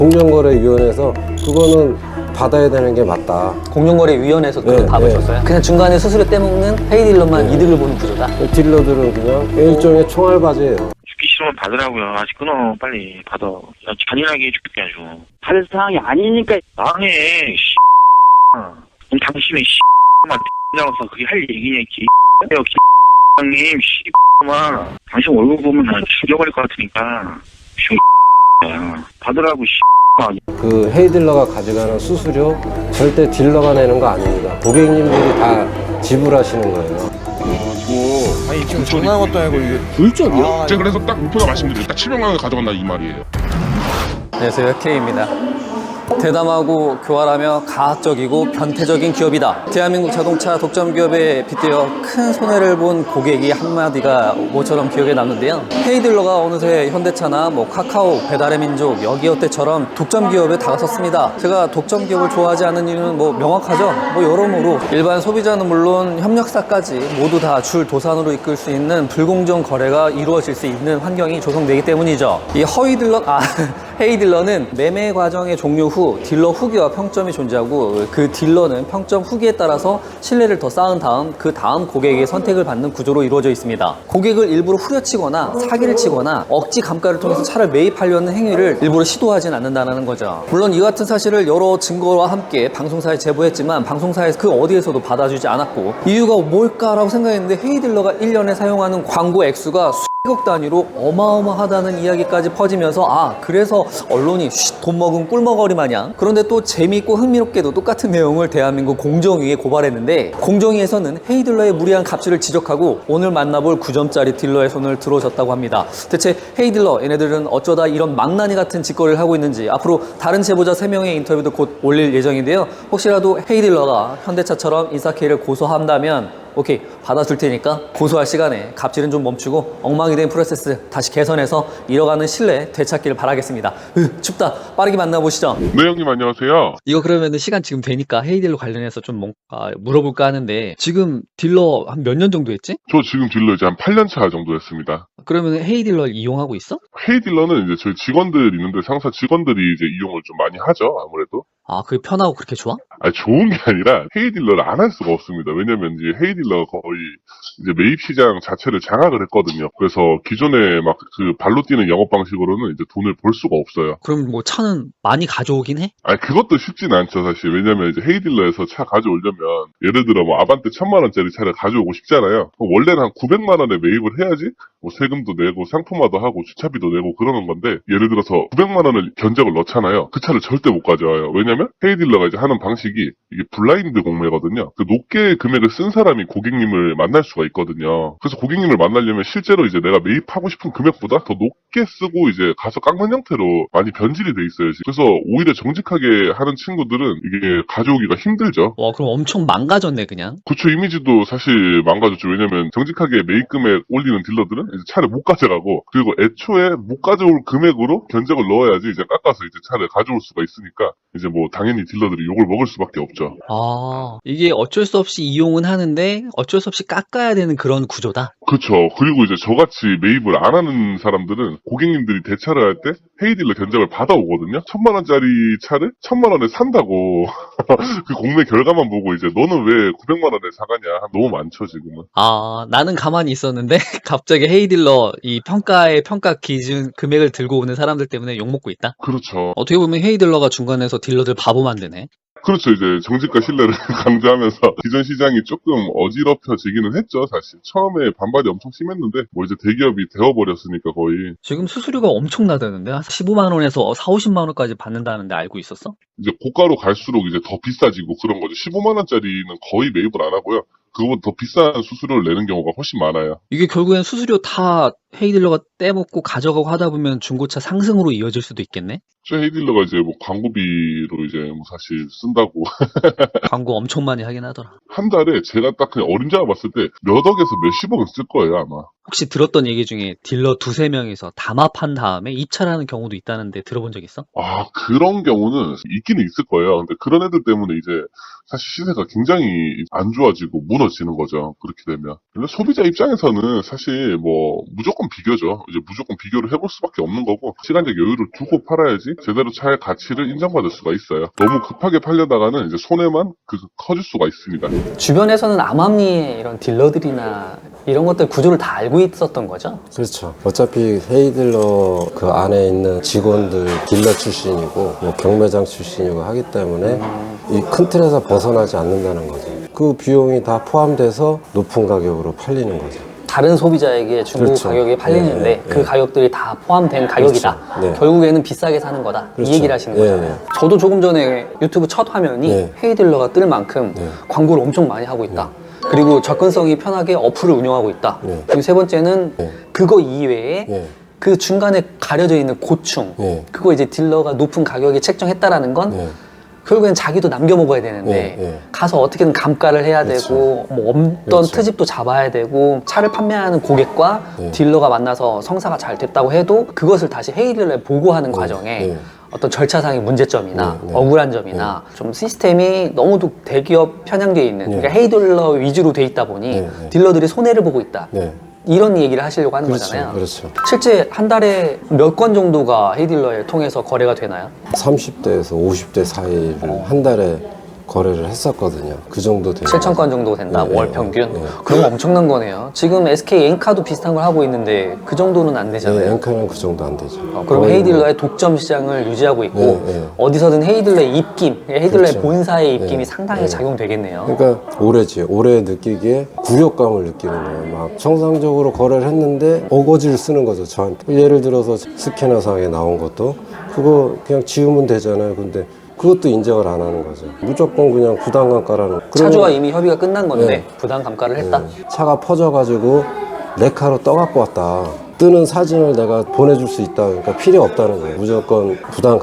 공정거래위원회에서 그거는 받아야 되는 게 맞다. 공정거래위원회에서 그런 네, 답을 네. 줬어요? 그냥 중간에 수수료 떼먹는 헤이딜러만 네. 이득을 보는 구조다? 딜러들은 그냥 일종의 총알바지예요. 죽기 싫으면 받으라고요. 아직 끊어. 빨리 받아. 나 잔인하게 해줄게 아주. 받을 상황이 아니니까. 망해. 씨. 그럼 당신은 씨만 X장으로서 그게 할 얘기냐 개 X장님 씨만 당신 얼굴 보면 나 죽여버릴 것 같으니까 야 받으라고 씨. 그 헤이딜러가 가져가는 수수료 절대 딜러가 내는 거 아닙니다. 고객님들이 다 지불하시는 거예요. 아니 지금 장난한 것도 아니고 이게 불적이요? 제가 그래서 딱 목표가 말씀드려요. 딱 700만 원 가져간다 이 말이에요. 안녕하세요, K입니다. 대담하고 교활하며 가학적이고 변태적인 기업이다. 대한민국 자동차 독점 기업에 빗대어 큰 손해를 본 고객이 한마디가 모처럼 기억에 남는데요. 헤이딜러가 어느새 현대차나 카카오, 배달의 민족, 여기어때처럼 독점 기업에 다가섰습니다. 제가 독점 기업을 좋아하지 않는 이유는 명확하죠. 여러모로 일반 소비자는 물론 협력사까지 모두 다 줄 도산으로 이끌 수 있는 불공정 거래가 이루어질 수 있는 환경이 조성되기 때문이죠. 이 헤이딜러는 매매 과정의 종료 후 딜러 후기와 평점이 존재하고 그 딜러는 평점 후기에 따라서 신뢰를 더 쌓은 다음 그 다음 고객의 선택을 받는 구조로 이루어져 있습니다. 고객을 일부러 후려치거나 사기를 치거나 억지 감가를 통해서 차를 매입하려는 행위를 일부러 시도하진 않는다는 거죠. 물론 이 같은 사실을 여러 증거와 함께 방송사에 제보했지만 방송사에서 그 어디에서도 받아주지 않았고 이유가 뭘까라고 생각했는데 헤이딜러가 1년에 사용하는 광고 액수가 수억 단위로 어마어마하다는 이야기까지 퍼지면서 그래서 언론이 돈 먹은 꿀먹거리 마냥. 그런데 또 재미있고 흥미롭게도 똑같은 내용을 대한민국 공정위에 고발했는데 공정위에서는 헤이딜러의 무리한 갑질을 지적하고 오늘 만나볼 9점짜리 딜러의 손을 들어줬다고 합니다. 대체 헤이딜러 얘네들은 어쩌다 이런 망나니 같은 짓거리를 하고 있는지 앞으로 다른 제보자 3명의 인터뷰도 곧 올릴 예정인데요. 혹시라도 헤이딜러가 현대차처럼 인사케이를 고소한다면 오케이, 받아줄 테니까 고소할 시간에 갑질은 좀 멈추고 엉망이 된 프로세스 다시 개선해서 이뤄가는 신뢰 되찾기를 바라겠습니다. 춥다. 빠르게 만나보시죠. 네 형님 안녕하세요. 이거 그러면은 시간 지금 되니까 헤이딜러 관련해서 좀 뭔가 물어볼까 하는데 지금 딜러 한 몇 년 정도 했지? 저 지금 딜러 이제 한 8년 차 정도 했습니다. 그러면 헤이딜러 이용하고 있어? 헤이딜러는 이제 저희 직원들 있는데 상사 직원들이 이제 이용을 좀 많이 하죠 아무래도. 그게 편하고 그렇게 좋아? 좋은 게 아니라 헤이딜러를 안 할 수가 없습니다. 왜냐면 이제 헤이딜러가 거의 이제 매입 시장 자체를 장악을 했거든요. 그래서 기존에 막 그 발로 뛰는 영업 방식으로는 이제 돈을 벌 수가 없어요. 그럼 차는 많이 가져오긴 해? 그것도 쉽진 않죠, 사실. 왜냐면 이제 헤이딜러에서 차 가져오려면, 예를 들어 아반떼 1000만 원짜리 차를 가져오고 싶잖아요. 그럼 원래는 한 900만 원에 매입을 해야지, 세금도 내고, 상품화도 하고, 주차비도 내고 그러는 건데, 예를 들어서 900만 원을 견적을 넣잖아요. 그 차를 절대 못 가져와요. 왜냐면 헤이딜러가 이제 하는 방식이, 이게 블라인드 공매거든요. 그 높게 금액을 쓴 사람이 고객님을 만날 수가 있거든요. 그래서 고객님을 만나려면 실제로 이제 내가 매입하고 싶은 금액보다 더 높게 쓰고 이제 가서 깎는 형태로 많이 변질이 돼 있어요. 그래서 오히려 정직하게 하는 친구들은 이게 가져오기가 힘들죠. 와, 그럼 엄청 망가졌네 그냥. 그쵸, 이미지도 사실 망가졌죠. 왜냐면 정직하게 매입 금액 올리는 딜러들은 이제 차를 못 가져가고, 그리고 애초에 못 가져올 금액으로 견적을 넣어야지 이제 깎아서 이제 차를 가져올 수가 있으니까 이제 당연히 딜러들이 욕을 먹을 수밖에 없죠. 이게 어쩔 수 없이 이용은 하는데 어쩔 수 없이 깎아야 되는 그런 구조다. 그렇죠. 그리고 이제 저같이 매입을 안 하는 사람들은 고객님들이 대차를 할 때 헤이딜러 견적을 받아오거든요. 1000만 원짜리 차를 1000만 원에 산다고 그 공매 결과만 보고 이제 너는 왜 900만 원에 사가냐. 너무 많죠 지금은. 나는 가만히 있었는데 갑자기 헤이딜러 이 평가 기준 금액을 들고 오는 사람들 때문에 욕먹고 있다? 그렇죠. 어떻게 보면 헤이딜러가 중간에서 딜러들 바보 만드네. 그렇죠. 이제 정직과 신뢰를 강조하면서 기존 시장이 조금 어지럽혀지기는 했죠. 사실 처음에 반발이 엄청 심했는데 이제 대기업이 되어버렸으니까 거의. 지금 수수료가 엄청나다는데 한 15만 원에서 4, 50만 원까지 받는다는데 알고 있었어? 이제 고가로 갈수록 이제 더 비싸지고 그런 거죠. 15만 원짜리는 거의 매입을 안 하고요. 그거보다 더 비싼 수수료를 내는 경우가 훨씬 많아요. 이게 결국엔 수수료 다 헤이딜러가 떼먹고 가져가고 하다 보면 중고차 상승으로 이어질 수도 있겠네? 저 헤이딜러가 이제 광고비로 이제 사실 쓴다고. 광고 엄청 많이 하긴 하더라. 한 달에 제가 딱 그냥 어림잡아 봤을 때 몇 억에서 몇십억은 쓸 거예요, 아마. 혹시 들었던 얘기 중에 딜러 두세 명이서 담합한 다음에 입찰하는 경우도 있다는데 들어본 적 있어? 아, 그런 경우는 있기는 있을 거예요. 근데 그런 애들 때문에 이제 사실 시세가 굉장히 안 좋아지고 무너지는 거죠. 그렇게 되면. 근데 소비자 입장에서는 사실 뭐 무조건 비교죠. 이제 무조건 비교를 해볼 수밖에 없는 거고 시간적 여유를 두고 팔아야지 제대로 차의 가치를 인정받을 수가 있어요. 너무 급하게 팔려다가는 이제 손해만 커질 수가 있습니다. 주변에서는 암암리의 이런 딜러들이나 이런 것들 구조를 다 알고 있었던 거죠? 그렇죠. 어차피 헤이딜러 그 안에 있는 직원들 딜러 출신이고 뭐 경매장 출신이고 하기 때문에 이 큰 틀에서 벗어나지 않는다는 거죠. 그 비용이 다 포함돼서 높은 가격으로 팔리는 거죠. 다른 소비자에게 중고 그렇죠. 가격에 팔리는데 예, 예, 그 예. 가격들이 다 포함된 가격이다. 네. 결국에는 비싸게 사는 거다. 그렇죠. 이 얘기를 하시는 예, 거잖아요. 저도 조금 전에 유튜브 첫 화면이 예. 헤이딜러가 뜰 만큼 네. 광고를 엄청 많이 하고 있다. 그리고 접근성이 편하게 어플을 운영하고 있다. 네. 그리고 세 번째는 네. 그거 이외에 예. 그 중간에 가려져 있는 고충, 예. 그거 이제 딜러가 높은 가격에 책정했다라는 건 예. 결국엔 자기도 남겨 먹어야 되는데 예, 예. 가서 어떻게든 감가를 해야 그렇죠. 되고 뭐 없던 그렇죠. 트집도 잡아야 되고 차를 판매하는 고객과 예. 딜러가 만나서 성사가 잘 됐다고 해도 그것을 다시 헤이딜러에 보고하는 과정에 예. 어떤 절차상의 문제점이나 네, 네. 억울한 점이나 좀 시스템이 너무도 대기업 편향되어 있는 네. 그러니까 헤이딜러 위주로 돼 있다 보니 네, 네. 딜러들이 손해를 보고 있다. 네. 이런 얘기를 하시려고 하는 그렇죠. 거잖아요. 그렇죠. 실제 한 달에 몇 건 정도가 헤이딜러에 통해서 거래가 되나요? 30대에서 50대 사이를 한 달에 거래를 했었거든요. 그 정도 되요 7,000건 정도 된다, 네, 월 네, 평균. 네. 그럼 엄청난 거네요. 지금 SK 엔카도 비슷한 걸 하고 있는데 그 정도는 안 되잖아요. 네, 엔카는 그 정도 안 되죠. 그럼 거의 헤이딜러의 독점 시장을 유지하고 있고 네, 네. 어디서든 헤이딜러의 입김, 헤이딜러의 그렇죠. 본사의 입김이 네, 상당히 네. 작용되겠네요. 그러니까 올해지 올해 느끼기에 굴욕감을 느끼는 거예요. 막 정상적으로 거래를 했는데 어거지를 쓰는 거죠, 저한테. 예를 들어서 스캐너상에 나온 것도 그거 그냥 지우면 되잖아요. 근데 그것도 인정을 안 하는 거죠. 무조건 그냥 부당감가라는. 차주와 이미 협의가 끝난 건데 네. 부당 감가를 했다. 차가 퍼져가지고 레카로 떠갖고 왔다. 뜨는 사진을 내가 보내줄 수 있다. 그러니까 필요 없다는 거예요. 무조건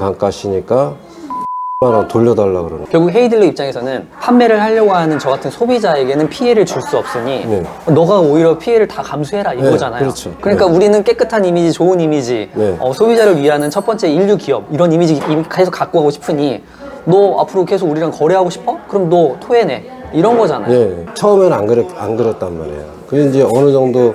부당감가시니까 10,000원 돌려달라 그러는. 결국 헤이딜러 입장에서는 판매를 하려고 하는 저 같은 소비자에게는 피해를 줄 수 없으니 네. 너가 오히려 피해를 다 감수해라 이거잖아요. 그렇죠. 그러니까 네. 우리는 깨끗한 이미지, 좋은 이미지, 네. 소비자를 위하는 첫 번째 인류 기업 이런 이미지 계속 갖고 가고 싶으니 너 앞으로 계속 우리랑 거래하고 싶어? 그럼 너 토해내 이런 거잖아요. 예, 처음에는 안 그랬단 말이에요. 그게 이제 어느 정도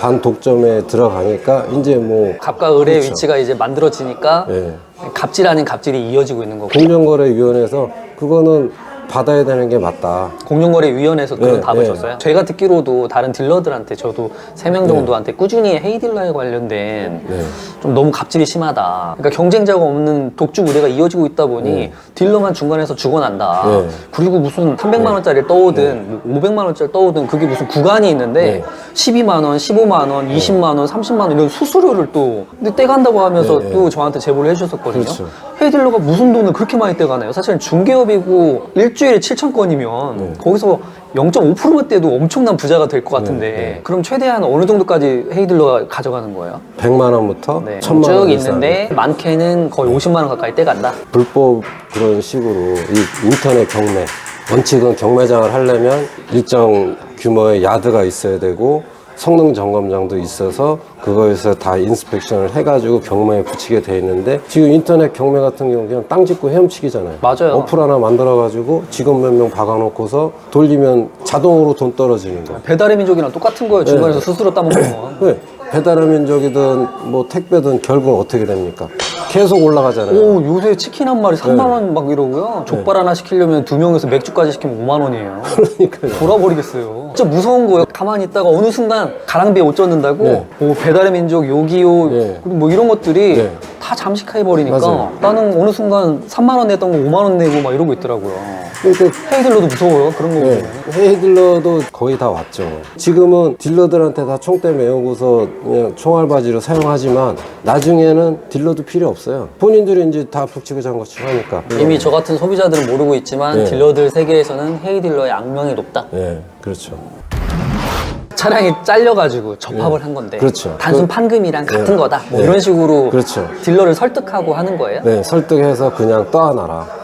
반독점에 들어가니까 이제 뭐 갑과 을의 그렇죠. 위치가 이제 만들어지니까 예. 갑질 아닌 갑질이 이어지고 있는 거고 공정거래위원회에서 그거는 받아야 되는 게 맞다. 공정거래위원회에서 그런 네, 답을 네. 줬어요. 제가 듣기로도 다른 딜러들한테 저도 3명 정도한테 꾸준히 헤이딜러에 관련된 네. 좀 너무 갑질이 심하다. 그러니까 경쟁자가 없는 독주 무대가 이어지고 있다 보니 네. 딜러만 중간에서 죽어난다. 네. 그리고 무슨 300만 원짜리를 떠오든 500만 원짜리 떠오든 그게 무슨 구간이 있는데 네. 12만 원, 15만 원, 20만 원, 30만 원 이런 수수료를 또 근데 떼간다고 하면서 네, 또 저한테 제보를 해주셨었거든요. 그렇죠. 헤이딜러가 무슨 돈을 그렇게 많이 떼가나요? 사실은 중개업이고 일주일에 7,000건이면 네. 거기서 0.5%만 떼도 엄청난 부자가 될 것 같은데 네. 그럼 최대한 어느 정도까지 헤이딜러가 가져가는 거예요? 100만 원부터 네. 1,000만 쭉 원 있는데 많게는 거의 50만 원 가까이 떼간다. 불법 그런 식으로 이 인터넷 경매 원칙은 경매장을 하려면 일정 규모의 야드가 있어야 되고 성능 점검장도 있어서 그거에서 다 인스펙션을 해가지고 경매에 붙이게 돼 있는데 지금 인터넷 경매 같은 경우 그냥 땅 짓고 헤엄치기잖아요. 맞아요. 어플 하나 만들어가지고 직원 몇 명 박아놓고서 돌리면 자동으로 돈 떨어지는 거예요. 배달의 민족이랑 똑같은 거예요. 중간에서 스스로 따먹는 거. 왜? 배달의 민족이든 뭐 택배든 결국 어떻게 됩니까? 계속 올라가잖아요. 오, 요새 치킨 한 마리 3만 원 막 이러고요. 족발 하나 시키려면 2명에서 맥주까지 시키면 5만 원이에요. 그러니까요. 돌아버리겠어요. 진짜 무서운 거예요. 가만히 있다가 어느 순간 가랑비에 옷 젖는다고 네. 뭐 배달의 민족, 요기요 네. 그리고 뭐 이런 것들이 네. 다 잠식해버리니까 맞아요. 나는 어느 순간 3만 원 냈던 거 5만 원 내고 막 이러고 있더라고요. 그러니까 헤이딜러도 무서워요. 그런 거 네. 보면. 헤이딜러도 거의 다 왔죠. 지금은 딜러들한테 다 총대 메우고서 그냥 총알바지로 사용하지만 나중에는 딜러도 필요 없어요. 본인들이 이제 다 북치고 장구치고 하니까. 이미 저 같은 소비자들은 모르고 있지만 네. 딜러들 세계에서는 헤이딜러의 악명이 높다. 네, 그렇죠. 차량이 잘려가지고 접합을 한 건데 그렇죠. 단순 그- 판금이랑 같은 네. 거다 뭐 네. 이런 식으로 그렇죠. 딜러를 설득하고 하는 거예요? 네, 설득해서 그냥 떠안아라.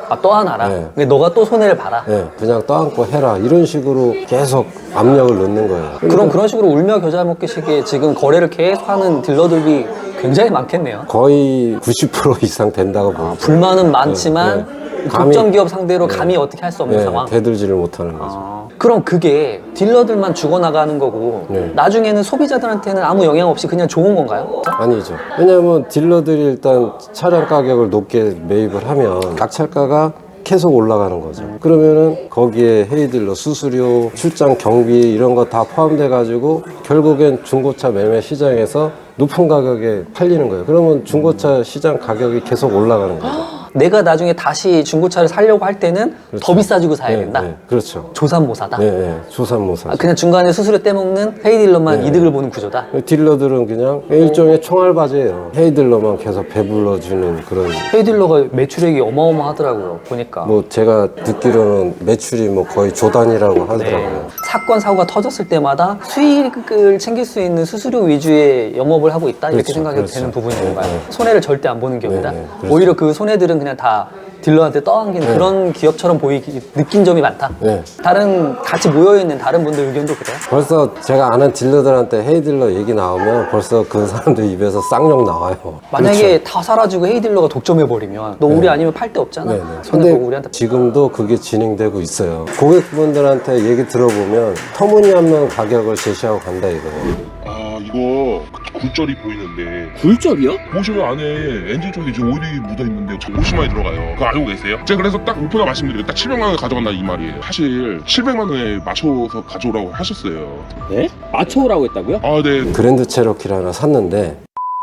아, 떠안아라. 네. 근데 너가 또 손해를 봐라. 예, 그냥 떠안고 해라. 이런 식으로 계속 압력을 넣는 거예요. 그럼 그런 식으로 울며 겨자 먹기식의 지금 거래를 계속하는 딜러들이 굉장히 많겠네요. 거의 90% 이상 된다고 봅니다. 불만은 많지만 네. 독점 기업 상대로 감히 어떻게 할 수 없는 상황. 대들지를 못하는 거죠. 그럼 그게 딜러들만 죽어나가는 거고 네. 나중에는 소비자들한테는 아무 영향 없이 그냥 좋은 건가요? 아니죠. 왜냐하면 딜러들이 일단 차량 가격을 높게 매입을 하면 낙찰가가 계속 올라가는 거죠. 그러면은 거기에 헤이딜러 수수료, 출장 경비 이런 거 다 포함돼 가지고 결국엔 중고차 매매 시장에서 높은 가격에 팔리는 거예요. 그러면 중고차 시장 가격이 계속 올라가는 거죠. 내가 나중에 다시 중고차를 사려고 할 때는 더 비싸지고 사야 된다. 그렇죠. 조삼모사다. 조삼모사. 아, 그냥 중간에 수수료 떼먹는 헤이딜러만 이득을 보는 구조다. 딜러들은 그냥 일종의 총알바지예요. 헤이딜러만 계속 배불러주는 그런. 헤이딜러가 매출액이 어마어마하더라고요. 보니까. 뭐 제가 듣기로는 매출이 뭐 거의 조단이라고 하더라고요. 사건 사고가 터졌을 때마다 수익을 챙길 수 있는 수수료 위주의 영업을 하고 있다 이렇게 그렇죠, 생각해도 그렇죠. 되는 부분인 건가요? 네. 손해를 절대 안 보는 기업이다. 네, 그렇죠. 오히려 그 손해들은 그냥 다 딜러한테 떠안긴 그런 기업처럼 느낀 점이 많다. 네. 다른 같이 모여있는 다른 분들 의견도 그래요? 벌써 제가 아는 딜러들한테 헤이딜러 얘기 나오면 벌써 그 사람들 입에서 쌍욕 나와요. 만약에 다 사라지고 헤이딜러가 독점해버리면 너 우리 아니면 팔 데 없잖아. 네네. 손해 근데 보고 우리한테. 지금도 그게 진행되고 있어요. 고객분들한테 얘기 들어보면 터무니없는 가격을 제시하고 간다 이거예요. 아, 이거 굴절이 보이는데. 굴절이요? 보시면 안에 엔진 쪽에 지금 오일이 묻어있는데 50만원이 들어가요. 그거 알고 계세요? 제가 그래서 딱 오픈을 말씀드리고 딱 700만원 가져간다 이 말이에요. 사실 700만원에 맞춰서 가져오라고 하셨어요. 네? 맞춰오라고 했다고요? 아, 네. 그랜드 체로키를 하나 샀는데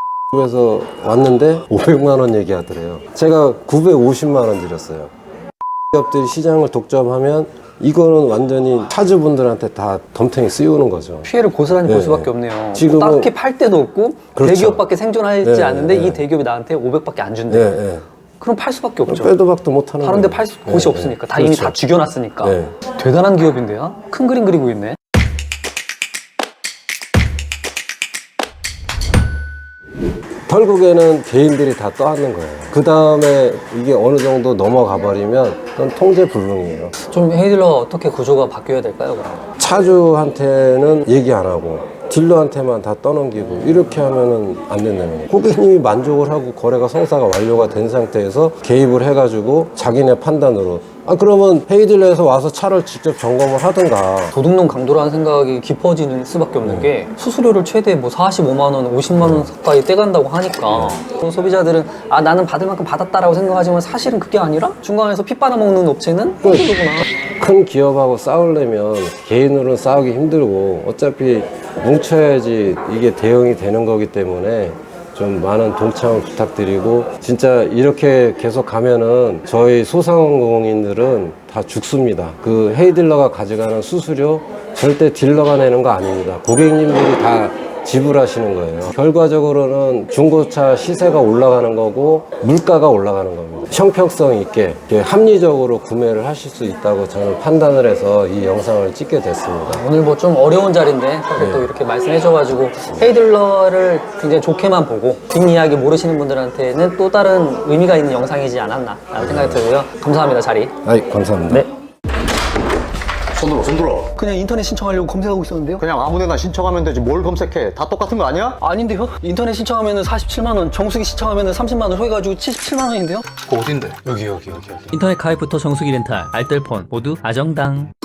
그래서 왔는데 500만 원 얘기하더래요. 제가 950만 원 드렸어요. 기업들이 시장을 독점하면 이거는 완전히 차주분들한테 다 덤탱이 씌우는 거죠. 피해를 고스란히 네, 볼 수밖에 네. 없네요. 지금은- 딱히 팔 데도 없고 그렇죠. 대기업밖에 생존하지 네, 않는데 네. 이 대기업이 나한테 500밖에 안 준대. 네. 그럼 팔 수밖에 없죠. 빼도 박도 못하는 다른 데 거예요. 팔 곳이 네, 없으니까. 네. 다 이미 그렇죠. 다 죽여놨으니까. 네. 대단한 기업인데요? 큰 그림 그리고 있네. 결국에는 개인들이 다 떠안는 거예요. 그 다음에 이게 어느 정도 넘어가 버리면 그건 통제 불능이에요. 좀 헤이딜러가 어떻게 구조가 바뀌어야 될까요, 그럼? 차주한테는 얘기 안 하고 딜러한테만 다 떠넘기고 이렇게 하면은 안 된다는 거예요. 고객님이 만족을 하고 거래가 성사가 완료가 된 상태에서 개입을 해가지고 자기네 판단으로 그러면 헤이딜러에서 와서 차를 직접 점검을 하든가. 도둑놈 강도라는 생각이 깊어지는 수밖에 없는 게 수수료를 최대 뭐 45만 원, 50만 원 가까이 떼간다고 하니까 그런 소비자들은 나는 받을 만큼 받았다라고 생각하지만 사실은 그게 아니라 중간에서 피 빨아먹는 업체는 헤이딜러구나. 큰 기업하고 싸우려면 개인으로는 싸우기 힘들고 어차피 뭉쳐야지 이게 대응이 되는 거기 때문에 좀 많은 동참을 부탁드리고 진짜 이렇게 계속 가면은 저희 소상공인들은 다 죽습니다. 그 헤이딜러가 가져가는 수수료 절대 딜러가 내는 거 아닙니다. 고객님들이 다 지불하시는 거예요. 결과적으로는 중고차 시세가 올라가는 거고 물가가 올라가는 겁니다. 형평성 있게 합리적으로 구매를 하실 수 있다고 저는 판단을 해서 이 영상을 찍게 됐습니다. 오늘 뭐 좀 어려운 자리인데 사실 또 이렇게 말씀해줘가지고 헤이딜러를 굉장히 좋게만 보고 뒷이야기 모르시는 분들한테는 또 다른 의미가 있는 영상이지 않았나 라는 생각이 들고요. 감사합니다, 자리. 감사합니다. 네. 손 들어. 그냥 인터넷 신청하려고 검색하고 있었는데요? 그냥 아무데나 신청하면 되지 뭘 검색해. 다 똑같은 거 아니야? 아닌데요? 인터넷 신청하면 47만 원, 정수기 신청하면 30만 원, 해가지고 77만 원인데요? 그거 어딘데? 여기. 인터넷 가입부터 정수기 렌탈, 알뜰폰 모두 아정당.